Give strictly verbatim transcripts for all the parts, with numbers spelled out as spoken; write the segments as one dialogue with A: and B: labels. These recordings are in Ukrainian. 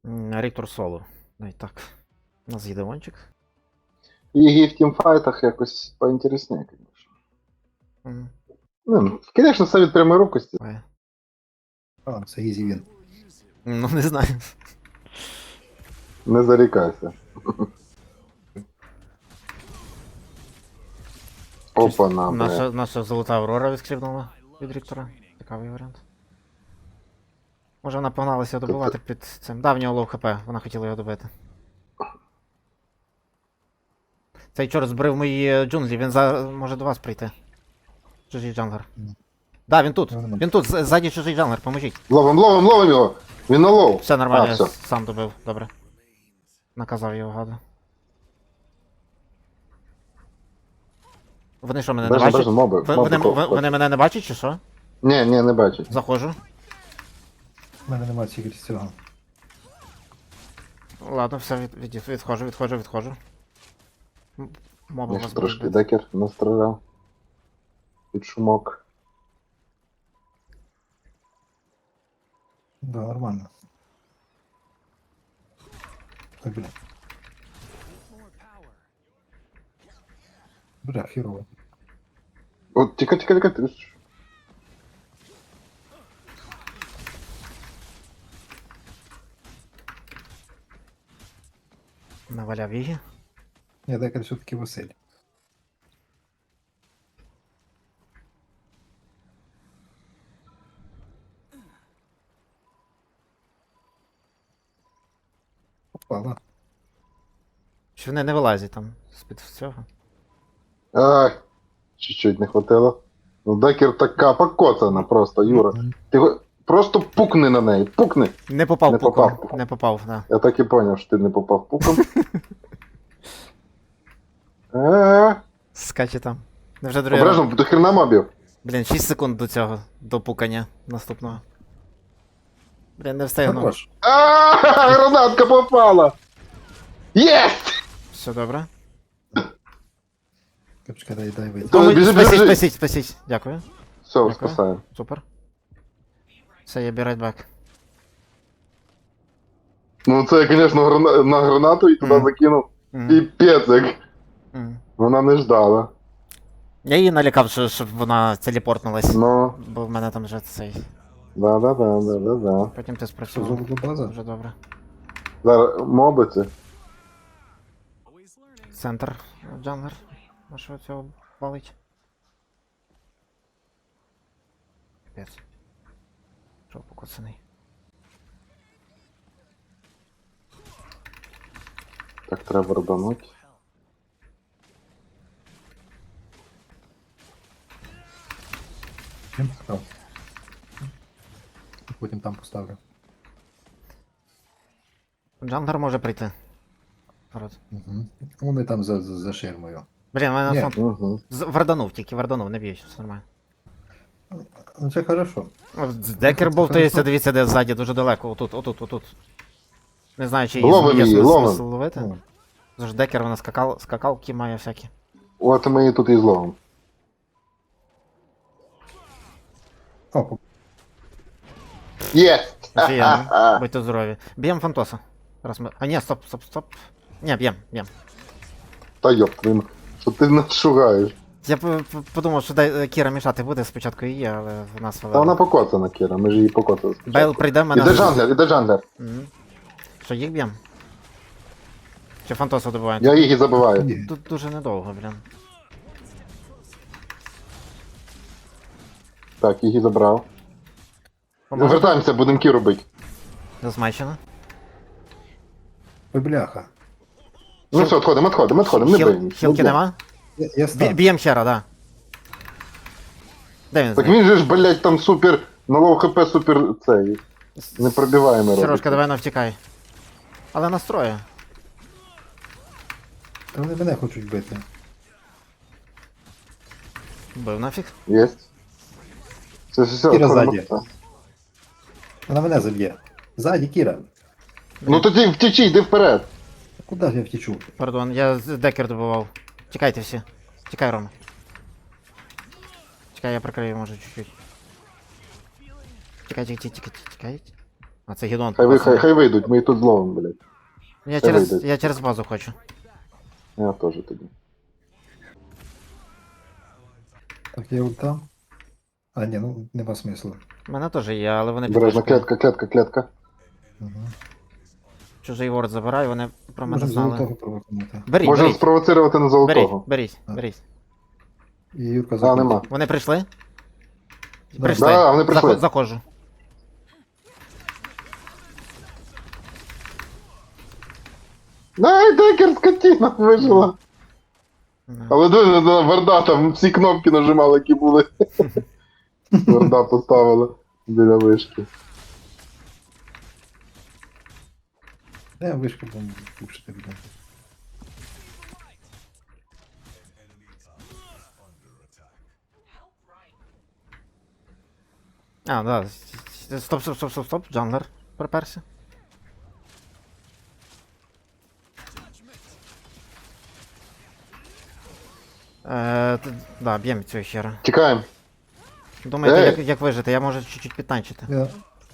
A: М, Ріктор соло. Ну і так. У нас є демончик.
B: Її в тімфайтах якось поінтересніше, звісно.
A: М,
B: Ну, звісно, все від прямої рукості.
A: ой.
C: А, це ізі він.
A: Ну не знаю.
B: Не зарікайся. Опа, на,
A: Наша, наша золота Аврора відскрібнула від Ріктора. Цікавий варіант. Може вона погналася добивати під цим. Да, в нього лоу хп, вона хотіла його добити. Цей чорт збрив мої джунглі, він за... може до вас прийти. Чужий джанглер.
C: Ні.
A: Да, він тут.
C: Ну, нема.
A: Він тут, з- ззаді чужий джанглер, поможіть.
B: Ловим, ловим, ловим його! Він на лоу.
A: Все нормально,
B: А,
A: я
B: все.
A: с- сам добив, добре. Наказав його гаду. Вони що, мене не
B: Бежим,
A: бачать?
B: бежим, моби.
A: Ви-
B: моби
A: Вони,
B: ко-
A: ви- вони мене не бачать чи що?
B: Ні, ні, не бачить.
A: Заходжу.
C: У мене немає тільки цього.
A: Ладно, все, від, від, відходжу, відходжу, відходжу. М, Моби
B: Я
A: вас
B: ще трошки
A: будуть.
B: декер настріляв. Під шумок.
C: Да, нормально. Ой, бля. Бля, херово.
B: От, тікай, тікай, тікай. ти ж-
A: Наваляв її.
C: Ні, декер все-таки Василь. Попала.
A: Чи вони не вилазять там з-під цього?
B: Ай, чуть-чуть не хватило. Ну, декер така покоцана просто, Юра.
C: Мгм.
B: Ти го- просто пукни на неї, пукни.
A: Не попав
B: Не
A: пуком.
B: попав.
A: Не попав, да.
B: Я так і поняв, що ти не попав пуком. Е,
A: Скаче там. Вже другий раз.
B: Обережно, до хрена мобів.
A: Блін, шість секунд до цього, до пукання наступного. Блін, не встигну.
C: Хорош.
B: А, гранатка попала! Єсть!
A: Все добре.
C: Капчика, дай, дай вийти.
B: То-
A: Тому-
B: біжи,
A: Спасіть,
B: біжи.
A: спасіть, спасіть. Дякую.
B: Все,
A: Дякую.
B: спасаємо.
A: Супер. Все, я be right back.
B: Ну це, звісно, грана... на гранату і туди
A: Мгм.
B: закинув.
A: М,
B: Піпець, як
A: м.
B: вона не ждала.
A: Я її налякав, що, щоб вона телепортнулась.
B: Ну,
A: Бо в мене там вже цей.
B: да-да-да, да-да-да.
A: Потім ти
C: Що,
A: спрацював.
C: золота база?
A: Дуже добре.
B: Зараз моби це.
A: Центр джанглер. Нашого цього валить. Капець. Що покоцаний.
B: Так треба рубануть.
C: Чим став? Потім там поставлю.
A: Джанглер може прийти. Народ.
C: Угу. Вони там за, за, за ширмою.
A: Блін, мене
C: Ні.
A: фронт.
B: Угу.
A: З- Варданув, тільки варданув, не б'ють, все нормально.
C: Ну це хорошо.
A: О, Декер бовтається, дивіться, де ззаді, дуже далеко. Отут, отут, отут. Не знаю, чи
B: Ловим
A: є
B: її,
A: смисл
B: ловим.
A: смисл ловити.
C: Ну,
A: Тож декер вона скакал, скакалки має всякі.
B: От ми її тут і зловимо.
C: О, по-
B: Є!
A: Офігенно, будьте здорові. Б'єм Фантоса. Раз ми... А ні, стоп, стоп, стоп. Ні, б'єм, б'єм.
B: Та йоп, твою м- що ти нас шугаєш?
A: Я п- п- подумав, що дай- Кіра мішати буде спочатку її, але в нас
B: Та вона
A: вела.
B: покоцана, Кіра, ми ж її покоцали.
A: Бейл прийде в мене.
B: Іде джанглер, іде джанглер.
A: Мгм. Що, їх б'єм? Чи Фантоса добиваємо?
B: Я її забиваю.
C: ні.
A: Тут дуже недовго, блін.
B: Так, її забрав.
A: Поможе?
B: Вертаємося, будемо Кіру бити.
A: Зазмачено.
C: Ой, бляха.
B: Ну
A: Хіл-
B: все, відходимо, відходимо, відходимо, не
A: Хіл-
B: биймо.
A: Хілки нема?
C: Я, я
A: Бі-
C: став.
A: Б'єм хера, да. Де він
B: Так
A: зник?
B: він же ж, блядь, там супер, на лоу хп супер цей. Не пробиваємо робить.
A: Сережка, давай навтікай. Але настрою.
C: Та вони мене хочуть бити.
A: Бив нафіг.
B: Єсть. Все, все, все,
C: Кіра
B: відходимо.
C: ззаді. Вона мене заб'є. Ззаді, Кіра.
B: Ну тоді втічи, йди вперед.
C: Куди ж я втічу?
A: Пардон, я з- декер добивав. Тікайте всі. Тікай, Рома. Чекай, я прикрию, може, чуть-чуть. Тікай, тікай, тікай, тікай. А це гідон.
B: Хай, ви,
A: попався.
B: хай, хай вийдуть, ми і тут зловимо, блядь.
A: Я
B: хай
A: через,
B: вийдуть.
A: я через базу хочу.
B: Я теж тоді.
C: Так, є ульта. А, ні, ну нема смислу.
A: У мене теж є, але вони
B: Бережно,
A: підважкою.
B: клетка, клетка, клетка.
C: Угу.
A: Чужий ворд забираю, вони про мене
C: Можна
A: знали.
C: золотого провокнути.
A: Беріть,
B: Можна
A: беріть,
B: спровоцирувати на
A: беріть,
B: золотого.
A: беріть,
C: А.
A: беріть.
C: І Юрка
B: А,
C: заходить.
B: нема.
A: Вони прийшли?
C: Да.
A: Прийшли.
B: Да, вони прийшли.
A: Заход- Заходжу.
B: Ай, декер, скотина, вижила.
A: Ну,
B: Але диви, на Варда там всі кнопки нажимали, які були. Варда поставила біля вишки.
C: Де вишка будемо пушити, блін.
A: А, да. Стоп, стоп, стоп, стоп, стоп, джанглер. Приперся. Е, т- да, б'ємо цього хера.
B: Тікаємо.
A: Думаєте,
B: Ей!
A: як, як вижити? Я можу чуть-чуть підтанчити.
C: Я...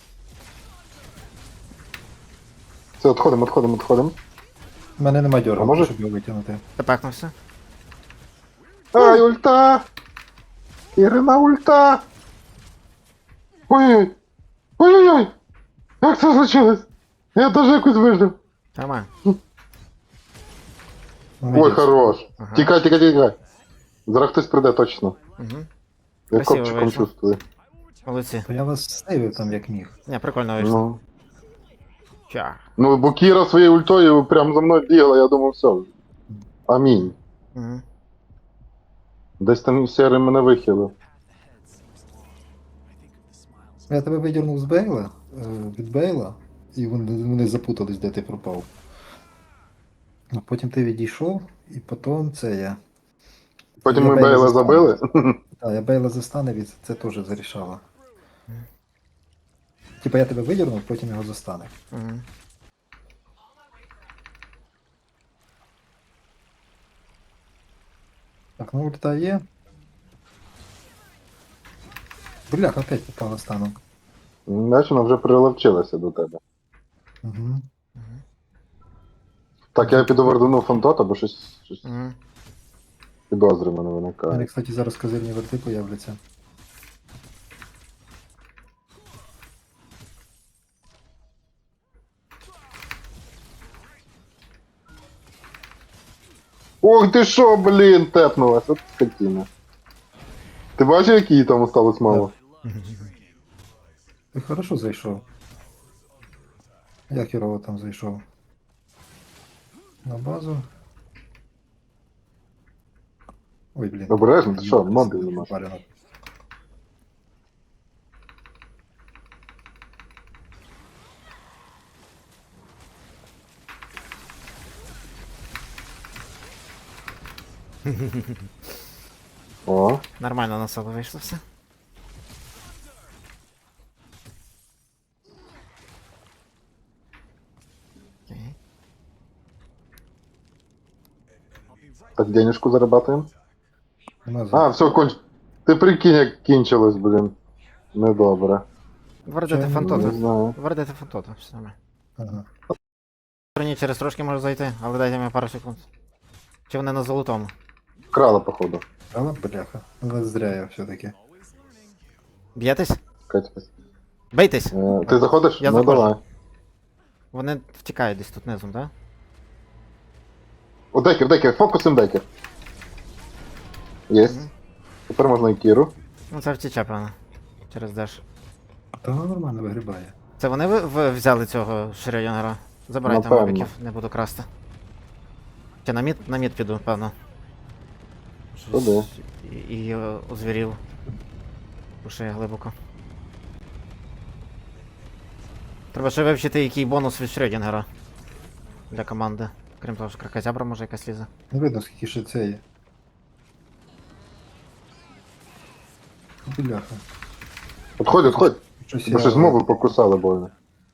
B: Все, відходимо, відходимо, відходимо.
C: У мене нема дьорга,
B: А може-
C: щоб його витягнути.
A: Тепекнувся.
B: Ай, ульта! Ірина ульта! Ой-ой! Ой-ой-ой! Як це случилось? Я теж якось вижив.
A: Нормально.
B: Ой,
C: Молодець.
B: хорош.
A: Ага.
B: Тікай, тікай, тікай. Зараз хтось прийде точно.
A: Угу.
B: Я
A: Красиво
B: копчиком
A: вийшло.
B: чувствую.
A: Молодці.
C: То я вас сейвив там як міг.
A: Не, прикольно вийшло.
B: Ну.
A: Ча.
B: Ну, бо Кіра своєю ультою прям за мною бігла, я думав, все. Амінь.
A: Угу.
B: Десь там серий мене вихилив.
C: Я тебе видірнув з Бейла, е, від Бейла, і вони, вони запутались, де ти пропав. А потім ти відійшов, і потім це я.
B: Потім
C: Я
B: ми
C: Бейла
B: Бейла
C: застану.
B: забили.
C: Так, я Бейла застанив, і це теж зарішало. Типа я тебе видірнув, потім його застанив.
A: Угу.
C: Так, ну ульта є. Блях, опять попала стану.
B: Знаєш, вона вже приловчилася до тебе.
C: Угу.
B: Так, я піду вердуну фонтота, бо щось, щось
A: Угу.
B: підозри в мене
C: У мене,
B: виникає.
C: кстати, зараз козирні верти появляться.
B: Ох ти що, блін, тепнулась, от скотина. Ти бачив, які їй там осталось мало?
C: Ти хорошо зайшов. Я херово там зайшов. На базу. Ой, блін.
B: Обережно, ти що, мобів нема.
C: Валено.
B: О,
A: Нормально на себе вийшло все. Окей.
B: так денежку зарабатуємо.
C: Нема
B: А,
C: за-
B: все, конч... Ти прикинь, як кінчилось, блін. Недобре.
A: Вердити
C: Чому?
B: Не
A: фантота.
B: знаю.
A: Вердити фантота, все нормально.
C: Ага.
A: Ні, через трошки можу зайти, але дайте мені пару секунд. Чи вони на золотому?
B: Вкрала, походу.
C: Але бляха. Але зря я все-таки.
A: Б'єтесь?
B: Катя.
A: Бейтесь!
B: Е, ти заходиш?
A: Я
B: ну
A: заходжу.
B: давай.
A: Вони втікають десь тут низом, так?
B: О, декер, декер, фокусим декер. Єсть.
A: Мгм.
B: Тепер можна і кіру.
A: Ну це втіче, певно. Через деш.
C: Та вона нормально вигрібає.
A: Це вони ви, ви взяли цього Шрёдінгера? Забирайте
B: Напевно.
A: мобіків, не буду красти. Чи на мід, на мід піду, певно. Щось
B: Туди.
A: І, і е, озвірів. Пушає глибоко. Треба ще вивчити, який бонус від Шрёдінгера для команди. Крім того, що кракозябра може якась лізе.
C: Не видно, скільки ще це є. Бляха.
B: Отходь, отходь.
C: Щось
B: Бо щось мови покусали больно.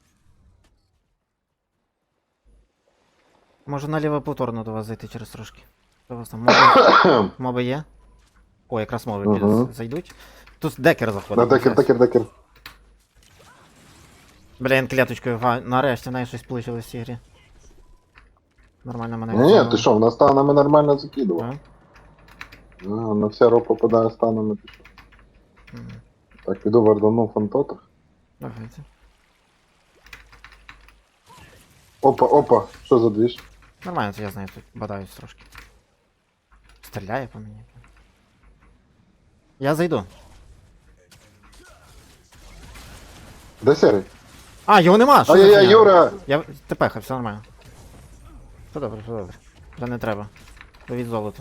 A: Можу наліво повторно до вас зайти через трошки. Що у вас там моби, моби є? О, якраз моби
B: Мгм.
A: підуть, зайдуть. Тут декер заходить.
B: На декер,
A: щас.
B: декер, декер.
A: Блін, клеточкою, га, нарешті в неї щось вийшло в цій грі. Нормально мене
B: Ні, ні,
A: відзовали.
B: ти що, вона станами нормально закидувала.
A: Так?
B: А, на вся ро попадає станами. Ти що?
A: М,
B: Так, піду вардану фантотах.
A: Давайте.
B: Опа, опа, що за двіж?
A: Нормально, це я знаю, тут бадаюсь трошки. Стріляє по мені. Я зайду.
B: Де серий?
A: А, його нема! Що за
B: Ай-яй-яй,
A: фігня?
B: Юра!
A: Я тепеха, все нормально. Все добре, все добре. Вже не треба. Привіт золото.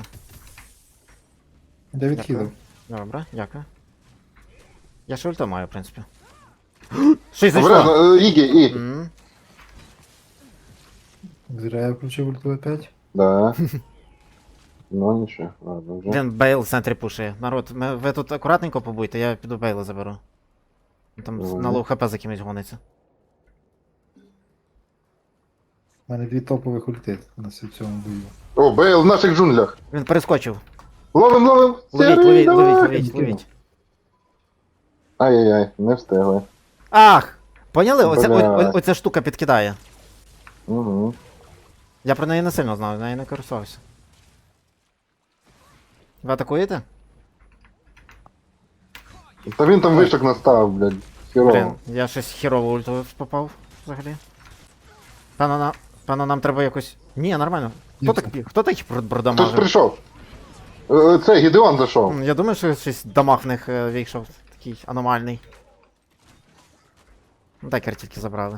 C: Я відхилив.
A: Добре, дякую. Я ще ульта маю, в принципі. Щось
B: Добре,
A: зайшло!
B: ну, Ігі, Ігі.
A: М,
C: Зря я включив ульту опять.
B: Да. Ну нічого, ладно вже.
A: Блін, Бейл в центрі пушує. Народ, ми, ви тут акуратненько побуйте, я піду Бейла заберу. Він Там
B: Ага.
A: на лоу хп за кимось гониться.
C: У мене дві топових ульти на цьому бою.
B: О, Бейл в наших джунглях.
A: Він перескочив.
B: Ловим, ловим!
A: Ловіть,
B: Серий,
A: ловіть,
B: давай!
A: ловіть, ловіть,
C: Кинув.
A: ловіть.
B: Ай-яй-яй, не встигли.
A: Ах! Поняли? Оця,
B: Бля.
A: о, о, оця штука підкидає.
B: Угу.
A: Я про неї не сильно знав, нею не користувався. Ви атакуєте?
B: Та він там вишок настав, блядь.
A: Блін,
B: Хірово.
A: я щось хірово ульту попав взагалі. Певно, на... Певно, нам треба якось. Ні, нормально. Хто
C: Як
A: так
C: це?
A: пі- Хто так
B: Хтось
A: продамажив?
B: прийшов. Е, Це Гідеон зайшов.
A: Я думаю, що щось дамаг в них е, вийшов такий аномальний. Ну так тільки забрали.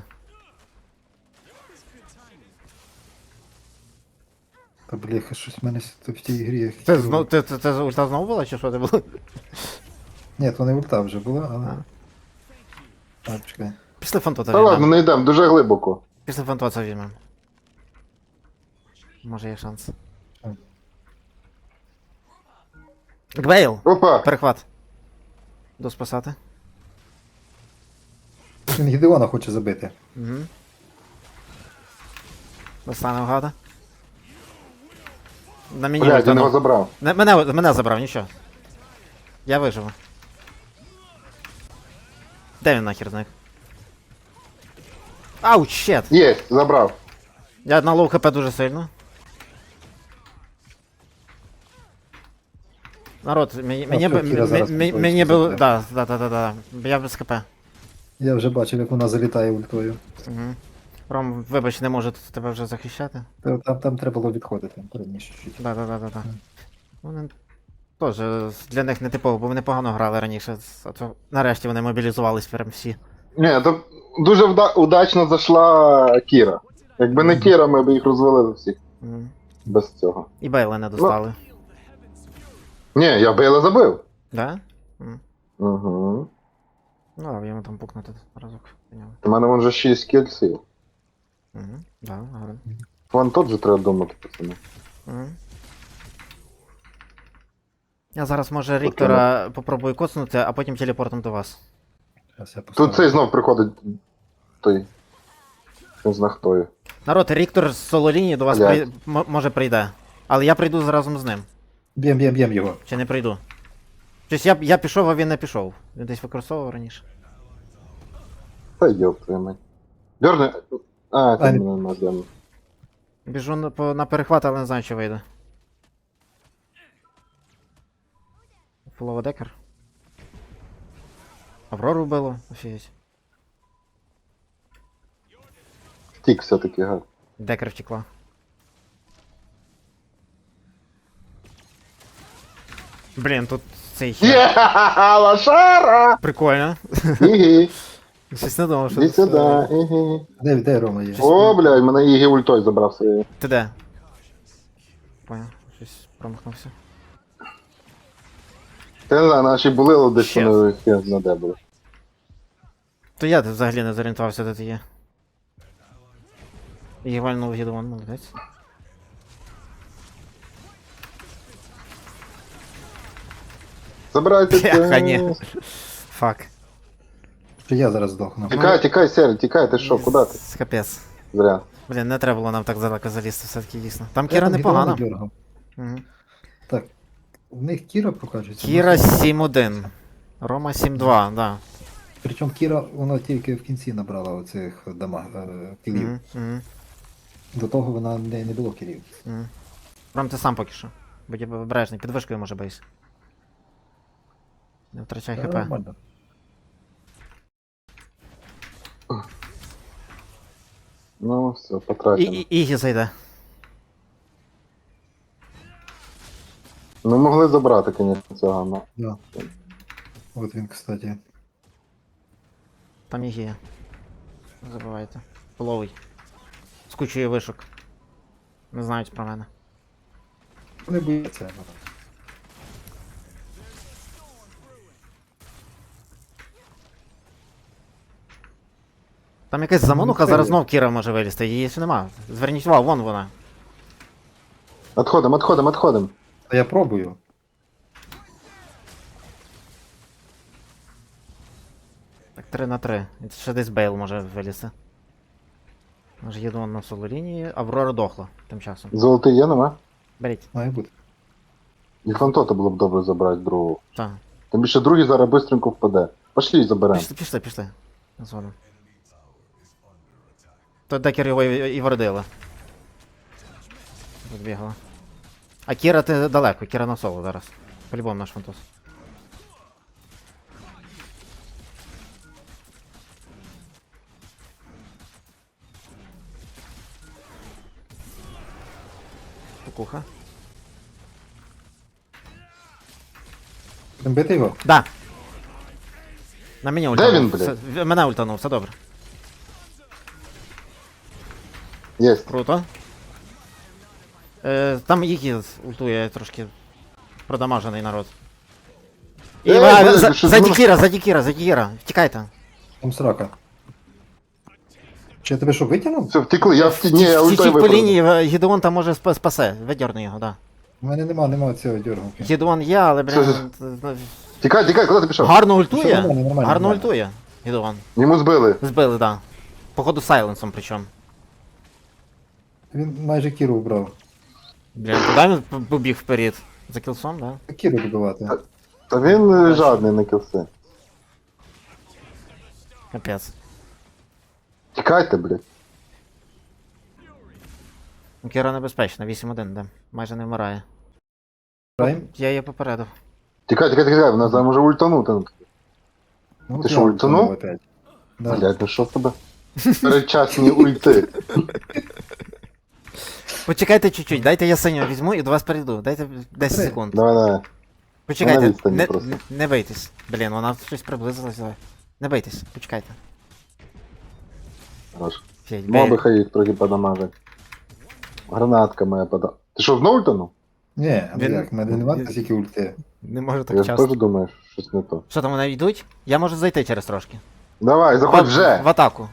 C: Та бляха, щось в мене с- в тій грі. я
A: Це,
C: хірово.
A: зно... це, це, це ульта знову була, чи що це було?
C: Ні, то не ульта вже була, але. А, чекай.
A: Після фантота
B: Та ладно,
A: візьмемо.
B: не йдемо, дуже глибоко.
A: Після фантота візьмемо. Може є шанс.
C: Так.
A: Гбейл!
B: Опа!
A: Перехват. До спасати.
C: Він Гідеона хоче забити.
A: Угу. Достане гада. На мені
B: Блядь, він
A: ультанув.
B: його забрав.
A: Не, мене, мене забрав, нічого. Я виживу. Де він нахер зник? Ауч, щет!
B: Є, забрав.
A: Я на лоу хп дуже сильно. Народ, мені, мені,
C: все,
A: б-
C: Кіра
A: м-
C: зараз
A: м-
C: підходить,
A: мені
C: що
A: би...
C: забере.
A: Да, да, да, да, да. Я без хп.
C: Я вже бачив, як вона залітає ультою.
A: Угу. Ром, вибач, не можу тут тебе вже захищати.
C: Та- Там, там треба було відходити. Раніше чуть.
A: Да, да, да, да, да. Вони теж для них не типово, бо вони погано грали раніше. А то нарешті вони мобілізувались прям всі.
B: Ні, то дуже вда- удачно зайшла Кіра. Якби не Кіра, ми б їх розвалили всіх.
A: Мгм.
B: Без цього.
A: І Бейла не достали.
B: Ні, я Бейла забив.
A: Да? М.
B: Угу.
A: Ну, а йому там пукнути разок. Поняв.
B: У мене вон вже шість кільців.
A: Угу. Да, гарно.
B: Вон тут же треба думати, пацани.
A: Угу. Я зараз, може, Ріктора попробую коцнути, а потім телепортом до вас.
C: Зараз я
B: Тут
C: поставлю.
B: цей знов приходить той. Не знаю хто є.
A: Народ, Ріктор з соло-лінії до вас
B: Блядь.
A: при... м- може прийде. Але я прийду разом з ним.
C: Б'єм, б'єм, б'єм його.
A: Чи не прийду? Тобто я, я пішов, а він не пішов. Він десь використовував раніше.
B: Та йоп твою мать. Дьорни. А,
C: А,
B: там
C: ні.
B: не на дьорни.
A: Біжу на, по, на перехват, але не знаю, чи вийде. Фулова декер. Аврору вбило, офігеть.
B: Втік все-таки, гад.
A: Декер втекла. Блін, тут цей хер.
B: Є, лошара!
A: Прикольно.
B: Ігі,
A: Щось не думав, що
B: іди
A: це-
B: сюди, ігі.
C: Де, де Рома є?
B: О, блядь, мене Ігі ультой забрав своєю.
A: Ти де? Понял, щось промахнувся.
B: Та не знаю, наші були десь
A: Щас.
B: вони хер на де були.
A: То я взагалі не зорієнтувався, де ти є. І вальнув Гідеон, молодець.
B: Забирайте
A: Бляха, ні.
B: це.
A: Фак.
C: Чи я зараз здохну?
B: Тікай, тікай, Сері, тікай, ти що, куди ти?
A: С- Капець.
B: Зря.
A: Блін, не треба було нам так далеко залізти, все-таки дійсно. Там
C: Я
A: Кіра
C: там Гідеона
A: непогана.
C: дергав.
A: Угу.
C: Так. В них Кіра прокачується.
A: Кіра сім один. Рома сім два, да.
C: Причому Кіра, вона тільки в кінці набрала оцих дама, е, кілів.
A: Угу, угу,
C: До того вона не, не було кілів.
A: угу. Прям ти сам поки що. Будь обережний, під вишкою може бейс. Не втрачай
C: Та
A: хп.
C: Нормально.
B: Ну, все,
A: І,
B: потрачено.
A: і, Ігі зайде.
B: Ми могли забрати, звісно, цього, но.
C: Да. От він, кстати.
A: Там Ігі є. Не забувайте. Половий. З кучою вишок. Не знають про мене.
C: Не боїться.
A: Там якась
C: Ну,
A: замануха,
C: це
A: зараз
C: є.
A: знов Кіра може вилізти, її ще нема. Зверніть увагу, вон вона.
B: Отходим, отходим, отходим.
C: Та я пробую.
A: Так, три на три. І ще десь Бейл може вилізти. Може їду на соло лінії, Аврора дохла тим часом.
B: Золотий є, нема?
A: Беріть.
C: Має бути.
B: І фантота було б добре забрати другого.
A: Так.
B: Тим більше другий зараз бистренько впаде. Пошли і заберемо.
A: Пішли, пішли, пішли. Згодом. То декер його і, і вродила. Відбігала. А Кіра ти далеко, Кіра на соло зараз. По-любому наш фантос. Кукуха.
C: Будемо бити його?
A: Да. На мене
B: Де
A: ультанув.
B: він, блядь?
A: Все- в- Мене ультанув, все добре.
B: Єсть.
A: Круто. Е, там Ігі ультує трошки продамажений народ. І
B: Ей,
A: а,
B: блядь,
A: за,
B: що
A: за
B: за-
A: Дікіра, за Дікіра, за Дікіра. Втікайте.
C: Там срака. Чи я тебе що, витягнув?
B: Все, втекли, я втік. Ні, я ультой
A: Втічіть по
B: виправив.
A: лінії, е, Гідеон там може спа- спасе. Видерни його, да.
C: У мене нема, нема цього дергавки.
A: Гідеон є, але,
B: Що
A: блін,
B: за-
A: е,
B: Тікай, тікай, куди ти пішов?
A: гарно
C: Що,
A: ультує.
C: нормально, нормально,
A: Гарно
C: нормально.
A: ультує. Гідеон.
B: Йому збили.
A: Збили, да. Походу сайленсом причому.
C: Він майже Кіру вбрав.
A: Блін, куди він п- побіг вперед? За кілсом, да?
C: Кіру добивати.
B: Та він е, жадний на кілси.
A: Капець.
B: Тікайте, блядь.
A: Ну, Кіра небезпечна, вісім один, да. Майже не вмирає.
C: Граємо?
A: Я її попередив.
B: Тікай, тікай, тікай, вона зараз може ультанути.
C: Ну,
B: Ти
C: от
B: що,
C: я
B: ультанув?
C: ультанув опять. Да.
B: Блядь, ну що в тебе? Передчасні ульти.
A: Почекайте чуть-чуть, дайте я синього візьму і до вас перейду. Дайте десять
C: Три.
A: секунд.
B: Давай, давай.
A: Почекайте,
B: на відстані
A: не,
B: просто.
A: не, не бийтесь. Блін, вона щось приблизилася. Не бийтесь, почекайте.
B: Хорош.
A: Федь,
B: Моби
A: бей.
B: хай їх трохи подамажать. Гранатка моя пода. Ти що, знову ультанув?
C: Ні, а
A: Він-
C: як, в мене немає стільки ульти.
A: Не можу
B: Я
A: так
B: ж
A: часто.
B: теж думаю, що щось не то.
A: Що там вони йдуть? Я можу зайти через трошки.
B: Давай, заходь
A: В-
B: вже!
A: В атаку.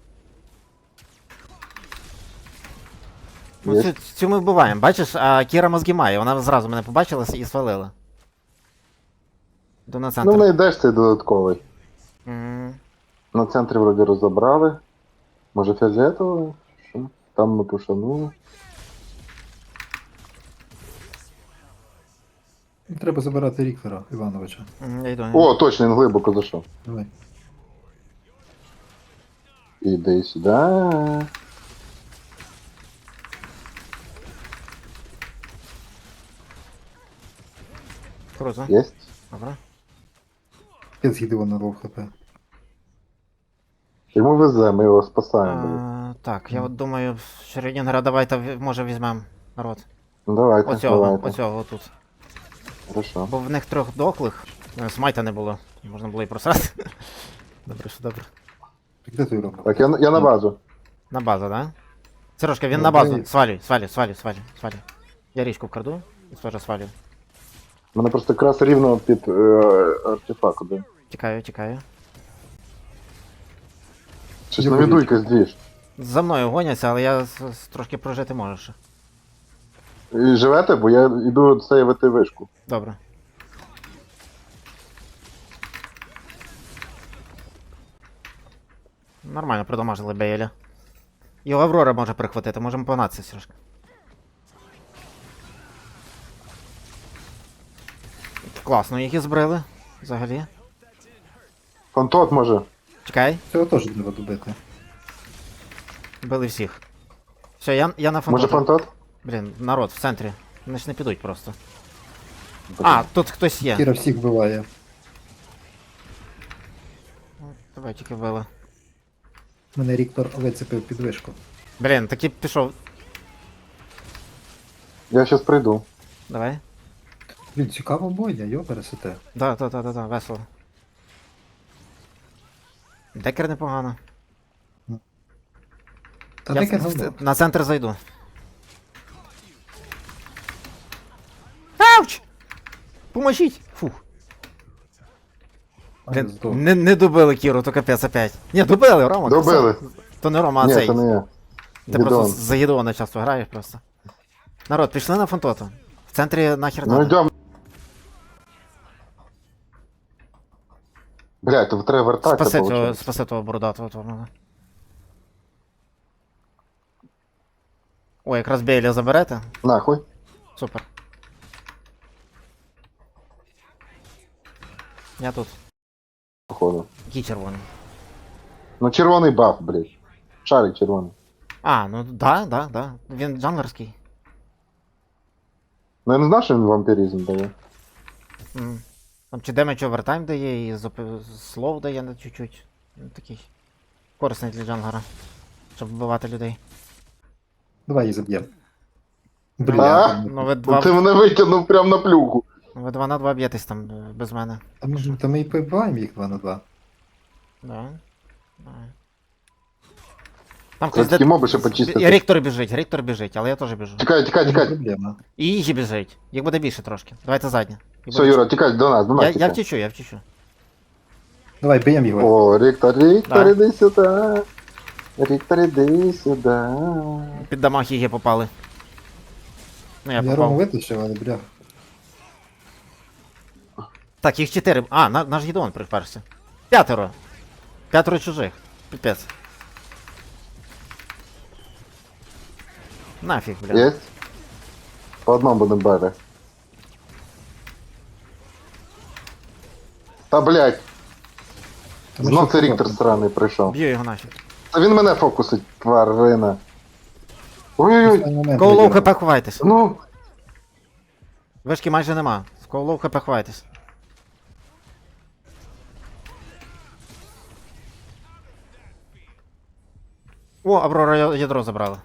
A: Ну,
B: Є.
A: цю, цю ми вбиваємо. Бачиш, а Кіра мозги має, вона зразу мене побачила і свалила. Йду на центр.
B: Ну, знайдеш цей додатковий.
A: М,
B: На центрі вроді розібрали. Може фіолетовий? Що? Там ми пошанули.
C: Треба забирати Ріктора Івановича.
A: м, Я йду.
B: О, точно, він глибоко зайшов.
C: Давай.
B: Іди сюди.
A: Круто.
B: Єсть.
A: Добре.
C: Я з'їдив на лов хп.
B: Йому везе, ми його спасаємо. блін.
A: А, так, я от думаю, Шрёдінгера давайте ві- може візьмемо народ.
B: Ну давайте,
A: Оцього,
B: давайте.
A: оцього отут.
B: Хорошо.
A: Бо в них трьох дохлих. е, Смайта не було. Можна було і просрати. Добре, що добре.
C: Де той робот?
B: Так, я, на- я на базу.
A: На базу, да? Сережка, він
C: Ну,
A: на базу.
C: давай.
A: Свалюй, свалюй, свалюй, свалюй, свалюй. Я річку вкраду і теж свалюю.
B: Мене просто якраз рівно під е, артефакт. Да.
A: Тікаю, тікаю.
B: Щось
C: Я
B: на віду
C: боюсь.
B: якась двіж.
A: За мною гоняться, але я с- с- трошки прожити можу ще.
B: І живете, бо я йду сейвити вишку.
A: Добре. Нормально продамажили Бейля. Його Аврора може прихватити, можемо погнатися, Сережка. Класно їх і збрили, взагалі.
B: Фантот може.
A: Чекай,
C: Цього теж треба добити.
A: били всіх. Все, я, я на
B: Може
A: фантота.
B: фантот?
A: Блін, народ в центрі. Вони ж не підуть просто. А, тут хтось є.
C: Кіра всіх вбиває.
A: Давай тільки вбили.
C: Мене Ріктор вицепив під вишку.
A: Блін, таки пішов.
B: Я щас прийду.
A: Давай.
C: Блін, цікава бойня, йо, пересете.
A: Да, да, да, да, да, весело. Декер непогано.
C: Та
A: Я
C: таке
A: в-
C: говно.
A: в- на центр зайду. Ауч! Поможіть! Фух.
C: А,
A: Блін,
C: здох.
A: не, не добили Кіру, то капець опять. Ні, добили, Рома. ти
B: Добили.
A: сам- То не Рома, а
B: Ні,
A: цей.
B: це не я.
A: Ти просто
B: Гідеон.
A: за Гідеона часто граєш просто. Народ, пішли на фантота. В центрі нахер
B: Ну
A: надо.
B: йдем. Блядь, то треба вертатися,
A: Спаси того,
B: получається.
A: спаси того бородатого того. надо. О, якраз Бейля заберете.
B: Нахуй.
A: Супер. Я тут.
B: Походу.
A: Який червоний.
B: Ну червоний баф, блядь. Шарик червоний.
A: А, ну да, да, да. Він джанглерський.
B: Ну я не знав, що він вампіризм дає.
A: М. Там чи демедж овертайм дає, і зоп- слов дає на чуть-чуть. Ну, такий. Корисний для джанглера. Щоб вбивати людей.
C: Давай її заб'ємо.
B: А?
C: Бля,
A: Ну ви
B: Ну,
A: два,
B: ти мене витягнув прям на плюху.
A: ви два на два б'єтесь там е, без мене.
C: та ми, та ми і побиваємо їх два на два.
A: Да. Давай. Там
B: Це
A: хтось
B: такі
A: де...
B: моби ще почистити.
A: І Ріктор біжить, Ріктор біжить, але я теж біжу.
B: Тікай, тікай,
C: Не
B: тікай.
C: проблема.
A: І Іжі біжить. Їх буде більше трошки. Давайте задня. Їх
B: Все,
A: буде-
B: Юра, тікай до нас, до нас.
A: Я, я
B: тікай.
A: втічу, я втічу.
C: Давай, б'ємо його.
B: О, Ріктор, Ріктор,
A: Да.
B: іди сюди. Ріктор, іди сюди.
A: Під дамаг її попали. Ну я
C: Я Рому
A: попав.
C: витащив, але бля.
A: Так, їх чотири. А, на, наш Гідеон приперся. П'ятеро. П'ятеро чужих. Піпець. Нафіг, бля.
B: Єсть? По одному будемо бити. Та блядь,
C: Та ми
B: знов
C: що
B: це Ріктор
C: робимо?
B: сраний прийшов.
A: Б'ю його нафіг.
B: Та він мене фокусить, тварина. Ой-ой-ой,
C: Останній момент
A: Коулоу
C: виграв.
A: хп ховайтесь.
B: ну.
A: Вишки майже нема. З Коулоу хп ховайтесь. О, Аврора я- ядро забрала.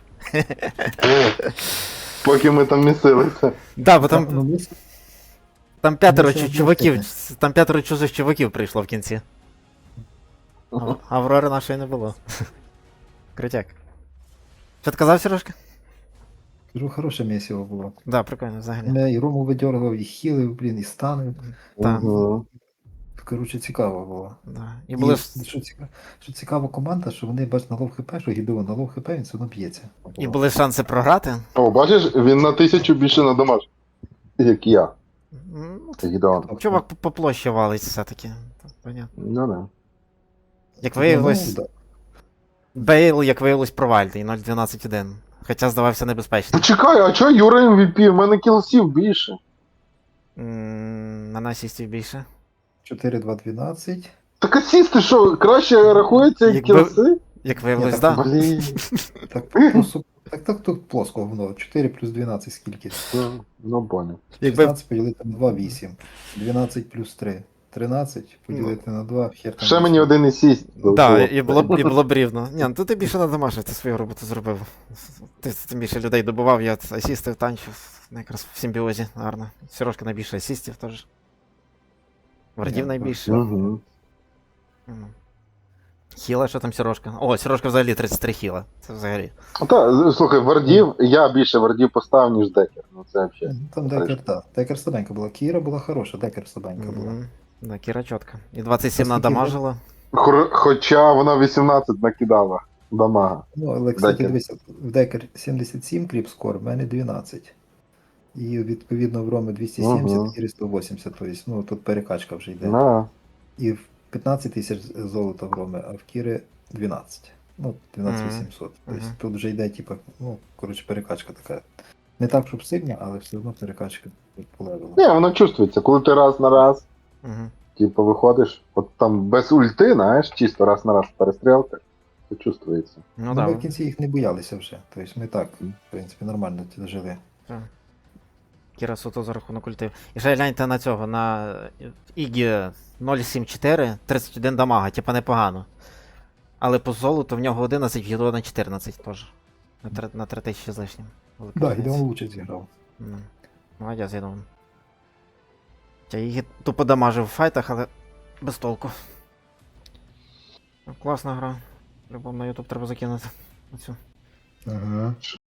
B: Поки ми там місилися.
A: Да, бо
C: Ну,
A: там,
C: ми-
A: там п'ятеро
C: ну, це
A: чу- чуваків,
C: об'єктивно.
A: там п'ятеро чужих чуваків прийшло в кінці. А- Аврори нашої не було. Крутяк. Що ти казав, Сережка?
C: Кажу, хороше місіво було.
A: Да, прикольно, взагалі.
C: Мене і Рому видергав, і хілив, блін, і станив.
A: Так.
B: Мгм.
C: Коротше, цікаво було.
A: Да. І
C: І,
A: були ж
C: що, цікаво, що цікава команда, що вони бач на лов хп, що Гідеон на лов хп, він все одно б'ється.
A: І були шанси програти.
B: О, бачиш, він на тисячу більше на домаш. Як я.
A: Ну,
B: Це Гідеон.
A: чувак по- по площі валить все-таки. Так, понятно.
B: Ну да.
A: Як виявилось,
C: Ну, да.
A: Бейл, як виявилось, провальний, нуль дванадцять один. Хоча здавався небезпечним.
B: Почекай, а чого Юра ем ві пі? У мене кілсів більше.
A: М, На насісті більше.
C: чотири два дванадцять.
B: Так асісти що, краще рахується, як
A: Якби-
B: кілси?
A: Як виявилось,
C: Ні,
A: да.
C: так,
B: Блін.
C: Так, просто, так, так тут плоско воно. чотири плюс дванадцять скільки?
B: Ну, Ну, понял.
A: Якби,
C: шістнадцять поділити на два, вісім. дванадцять плюс три. тринадцять поділити на два, хер там.
B: Ще мені
C: вісім.
B: один і сість.
A: да, і було, б- і було б рівно. Ні, ну то ти більше надамажив, ти свою роботу зробив. Ти тим більше людей добував, я от асістив, танчив. Ну, якраз в симбіозі, гарно. Сережка найбільше асістів теж. Вардів
C: Ні,
A: найбільше.
B: Угу.
A: Мгм. Хіла, що там Сережка? О, Сережка взагалі тридцять три хіла. Це взагалі.
B: Та, слухай, вардів, я більше вардів поставив, ніж декер. Ну це взагалі.
C: Ну, Там декер, так. Декер слабенька була. Кіра була хороша, декер слабенька була.
A: Мгм. Да, Кіра чітко. І двадцять сім
C: Наскільки
A: надамажила.
B: Хор- Хоча вона вісімнадцять накидала дамага.
C: Ну, але, кстати,
B: Декер.
C: дивися, в декер сімдесят сім кріпскор, в мене дванадцять. І відповідно в Роми двісті сімдесят,
B: Ага.
C: Кірі сто вісімдесят. Тобто, ну, тут перекачка вже йде.
B: На.
C: І в п'ятнадцять тисяч золота в Роми, а в Кіри дванадцять. Ну, дванадцять
A: Мгм.
C: вісімсот. Тобто
A: Мгм.
C: тут вже йде, типу, ну, коротше, перекачка така. Не так, щоб сильна, але все одно перекачка по левелу.
B: Ні, воно чувствується, коли ти раз на раз,
A: Угу.
B: Типу виходиш, от там без ульти, знаєш, чисто раз на раз перестрілка, то чувствується.
A: Ну
C: Ну,
A: так.
C: ми
A: Да.
C: в кінці їх не боялися вже. Тобто ми так, в принципі, нормально ті жили.
A: Так. Кіра суто за рахунок ультив. І ще гляньте на цього, на Ігі нуль сім чотири, тридцять один дамага, типа непогано. Але по золоту в нього одинадцять, в Гідо на чотирнадцять теж. На три, на три тисячі з лишнім. Велика
C: Так, да,
A: різниця.
C: Гідеон лучше зіграв.
A: Ну, молодець, Гідеон. Я її тупо дамажив в файтах, але без толку. Ну, класна гра. Любов на YouTube треба закинути. Оцю.
C: Ага.